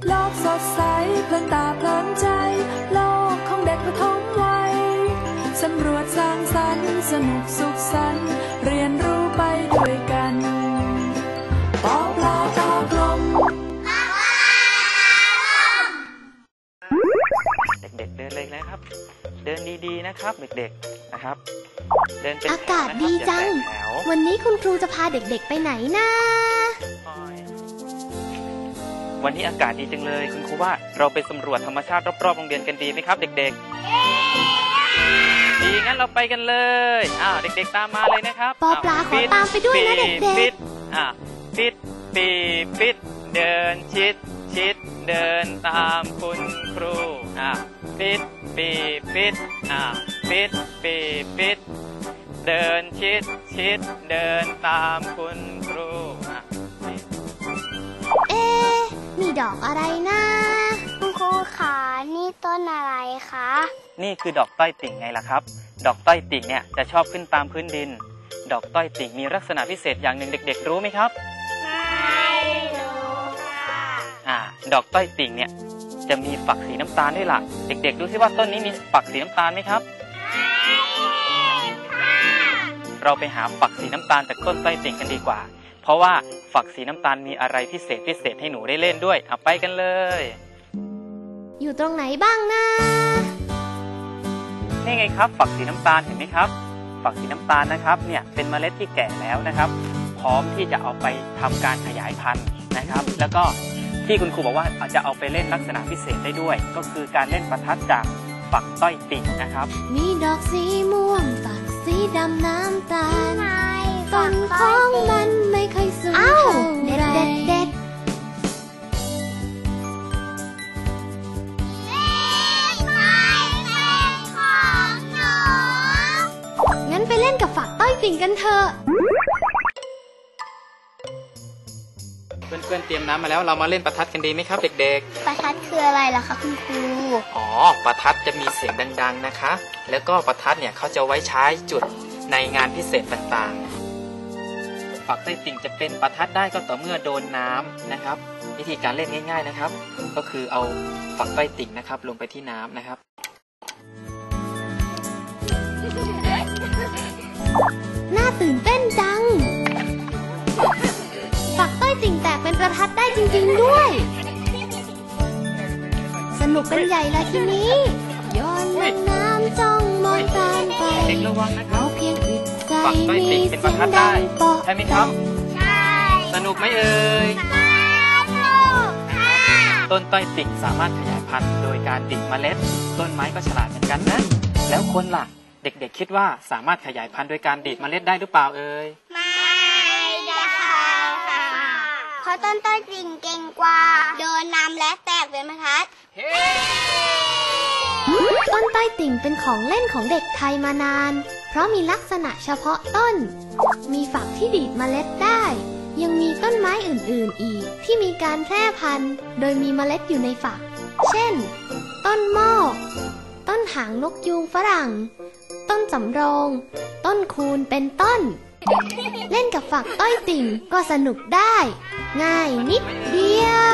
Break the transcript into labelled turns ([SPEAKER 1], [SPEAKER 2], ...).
[SPEAKER 1] โลกสดใสเพลินตาเพลินใจโลกของเด็กประถมวัยสำรวจสร้างสรรค์สนุกสุขสันต์เรียนรู้ไปด้วยกันปอปลาตากลม
[SPEAKER 2] เด็กๆเดินเลยนะครับเดินดีๆนะครับเด็กๆนะครับเดินเป็น
[SPEAKER 3] อากาศดีจังวันนี้คุณครูจะพาเด็กๆไปไหนนะ
[SPEAKER 2] วันนี้อากาศดีจังเลยคุณครูว่าเราไปสำรวจธรรมชาติรอบๆโรงเรียนกันดีไหมครับเด็กๆดีงั้นเราไปกันเลยเด็กๆตามมาเลยนะครับ
[SPEAKER 3] ปอปลาขอตามไปด้วยนะเด็กๆ
[SPEAKER 2] ปิดปิดเดินชิดเดินตามคุณครูปิดปิดเดินชิดเดินตามคุณครู
[SPEAKER 3] มีดอกอะไรนะ
[SPEAKER 4] คุณครูขานี่ต้นอะไรคะ
[SPEAKER 2] นี่คือดอกต้อยติ่งไงล่ะครับดอกต้อยติ่งเนี่ยจะชอบขึ้นตามพื้นดินดอกต้อยติ่งมีลักษณะพิเศษอย่างหนึ่งเด็กๆรู้ไหมครับ
[SPEAKER 4] ไม่รู้
[SPEAKER 2] ค่ะดอกต้อยติ่งเนี่ยจะมีฝักสีน้ำตาลด้วยล่ะเด็กๆดูซิว่าต้นนี้มีฝักสีน้ำตาลไหมครับเราไปหาฝักสีน้ำตาลจากต้นต้อยติ่งกันดีกว่าเพราะว่าฝักสีน้ำตาลมีอะไรพิเศษให้หนูได้เล่นด้วยไปกันเลย
[SPEAKER 3] อยู่ตรงไหนบ้างนะ
[SPEAKER 2] นี่ไงครับฝักสีน้ำตาลเห็นไหมครับฝักสีน้ำตาลนะครับเนี่ยเป็นเมล็ดที่แก่แล้วนะครับพร้อมที่จะเอาไปทำการขยายพันธุ์นะครับแล้วก็ที่คุณครูบอกว่าอาจจะเอาไปเล่นลักษณะพิเศษได้ด้วยก็คือการเล่นประทัดจากฝักต้อยติ่งนะครับ
[SPEAKER 3] มีดอกสีม่วงฝักสีดำน้ำตาลต้นของมันไม่เคยสูงเท่าไรเด็ดงั้นไปเล่นกับฝักต้อยติ่งกันเถอะ
[SPEAKER 2] เพื่อนๆเตรียมน้ำมาแล้วเรามาเล่นประทัดกันดีไหมครับเด็ก
[SPEAKER 4] ๆประทัดคืออะไรล่ะคะคุณครู
[SPEAKER 2] ประทัดจะมีเสียงดังๆนะคะแล้วก็ประทัดเนี่ยเขาจะไว้ใช้จุดในงานพิเศษต่างๆฝักต้อยติ่งจะเป็นประทัดได้ก็ต่อเมื่อโดนน้ำนะครับวิธีการเล่นง่ายๆนะครับก็คือเอาฝักต้อยติ่งนะครับลงไปที่น้ำนะครับ
[SPEAKER 3] น่าตื่นเต้นจังฝักต้อยติ่งแตกเป็นประทัดได้จริงๆด้วยสนุกกันใหญ่ละทีนี้ย้อนลงน้ำจ้องมองตามไปเราเพียงอึดใจมีเสียงดังเปาะ
[SPEAKER 2] ใช่ไหมครับ
[SPEAKER 4] ใช่
[SPEAKER 2] สนุกไหมเอ่ย
[SPEAKER 4] สนุกค่ะ
[SPEAKER 2] ต้นต้อยติ่งสามารถขยายพันธุ์โดยการดิ่งเมล็ดต้นไม้ก็ฉลาดเหมือนกันนะแล้วคนล่ะเด็กๆคิดว่าสามารถขยายพันธุ์โดยการดิ่งเมล็ดได้หรือเปล่าเอ่ย
[SPEAKER 4] ไม่ได้ค่ะเพราะต้นต้อยติ่งเก่งกว่าโดนน้ำและแตกเป็นประทัด
[SPEAKER 3] ต้นต้อยติ่งเป็นของเล่นของเด็กไทยมานานเพราะมีลักษณะเฉพาะต้นมีฝักที่ดีดเมล็ดได้ยังมีต้นไม้อื่นๆอีกที่มีการแพร่พันธุ์โดยมีเมล็ดอยู่ในฝักเช่นต้นโมกต้นหางนกยูงฝรั่งต้นสำโรงต้นคูนเป็นต้นเล่นกับฝักต้อยติ่งก็สนุกได้ง่ายนิดเดียว